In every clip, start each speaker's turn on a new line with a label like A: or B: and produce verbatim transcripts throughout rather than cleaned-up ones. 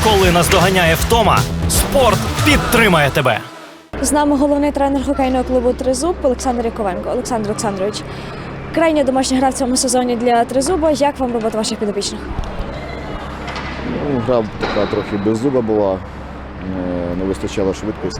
A: Коли наздоганяє втома, спорт підтримає тебе.
B: З нами головний тренер хокейного клубу «Тризуб» Олександр Яковенко. Олександр Олександрович, крайня домашня гра в цьому сезоні для «Тризуба». Як вам робота ваших підопічних?
C: Ну, гра така трохи беззуба була, не вистачало швидкості.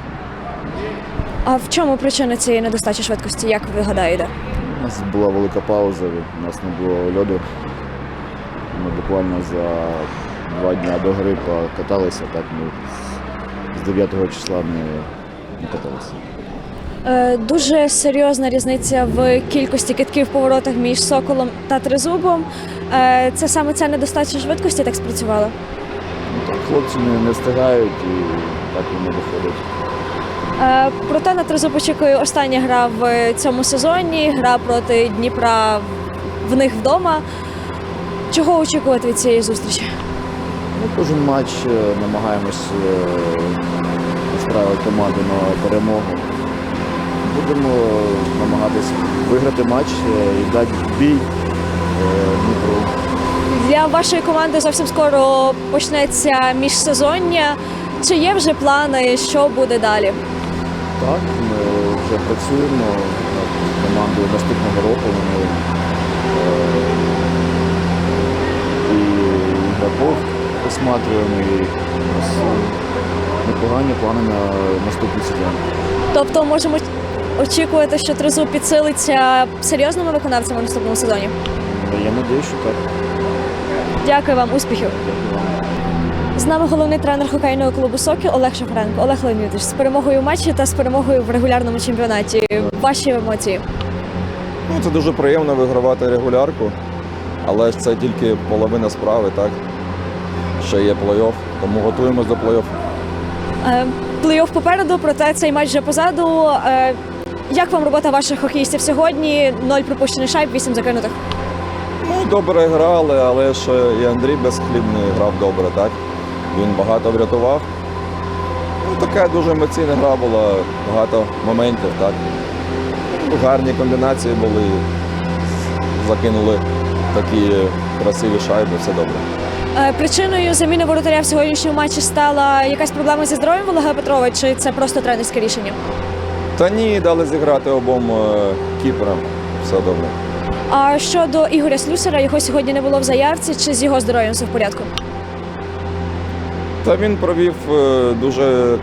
B: А в чому причина цієї недостачі швидкості, як ви гадаєте?
C: У нас була велика пауза, у нас не було льоду. Ми буквально за два дні до гри покаталися, так ми з дев'ятого числа не, не каталися.
B: Е, дуже серйозна різниця в кількості китків в поворотах між «Соколом» та «Тризубом». Е, це саме ця недостача швидкості так спрацювала?
C: Ну, так, хлопці не, не встигають і так воно виходить.
B: Е, проте на «Тризуб» очікує остання гра в цьому сезоні, гра проти Дніпра в них вдома. Чого очікувати від цієї зустрічі?
C: Ми кожен матч намагаємось настраювати команду на перемогу. Будемо намагатися виграти матч і дати бій Дніпру.
B: Для вашої команди зовсім скоро почнеться міжсезоння. Чи є вже плани, що буде далі?
C: Так, ми вже працюємо над командою наступного року. Ми е, і ігроків осматриваємо, і у нас непогані плани на наступний сезон.
B: Тобто можемо очікувати, що «Тризуб» підсилиться серйозними виконавцями в наступному сезоні?
C: Я сподіваюся, що так.
B: Дякую вам, успіхів! З нами головний тренер хокейного клубу «Сокіл» Олег Шафренко. Олег Леонідович, з перемогою в матчі та з перемогою в регулярному чемпіонаті. Ваші емоції?
D: Ну, це дуже приємно вигравати регулярку, але ж це тільки половина справи, так? Ще є плей-офф, тому готуємось до плей-офф.
B: Е, плей-офф попереду, проте цей матч вже позаду. Е, як вам робота ваших хокеїстів сьогодні? Ноль пропущених шайб, вісім закинутих.
D: Ну, добре грали, але ж і Андрій Безхлібний грав добре, так? Він багато врятував. Ну, така дуже емоційна гра була, багато моментів, так? Ну, гарні комбінації були, закинули такі красиві шайби, все добре.
B: Е, причиною заміни воротаря в сьогоднішньому матчі стала якась проблема зі здоров'ям Олега Петрова, чи це просто тренерське рішення?
D: Та ні, дали зіграти обом е, кіперам, все добре.
B: А щодо Ігоря Слюсара, його сьогодні не було в заявці, чи з його здоров'ям все в порядку?
D: Та він провів е, дуже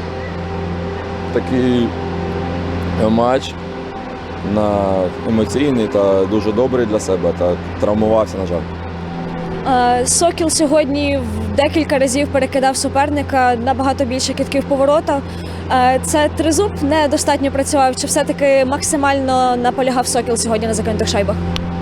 D: такий матч на емоційний та дуже добрий для себе, та травмувався, на жаль.
B: Е, «Сокіл» сьогодні в декілька разів перекидав суперника, набагато більше китків по воротах. Е, це «Тризуб» недостатньо працював, чи все-таки максимально наполягав «Сокіл» сьогодні на закинутих шайбах?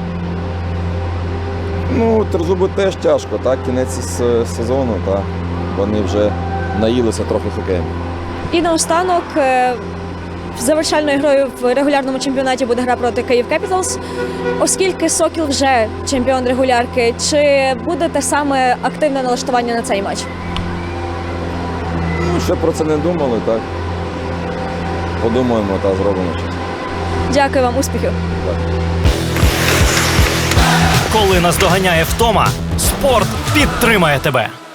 D: Ну, Тризубу теж тяжко, так, кінець с- сезону, та вони вже наїлися трохи хокеєм.
B: І наостанок, е, завершальною грою в регулярному чемпіонаті буде гра проти «Київ Кепіталс». Оскільки «Сокіл» вже чемпіон регулярки, чи буде те саме активне налаштування на цей матч?
D: Ну, ще про це не думали, так. Подумаємо та зробимо щось.
B: Дякую вам, успіхів!
A: Коли наздоганяє втома, спорт підтримає тебе.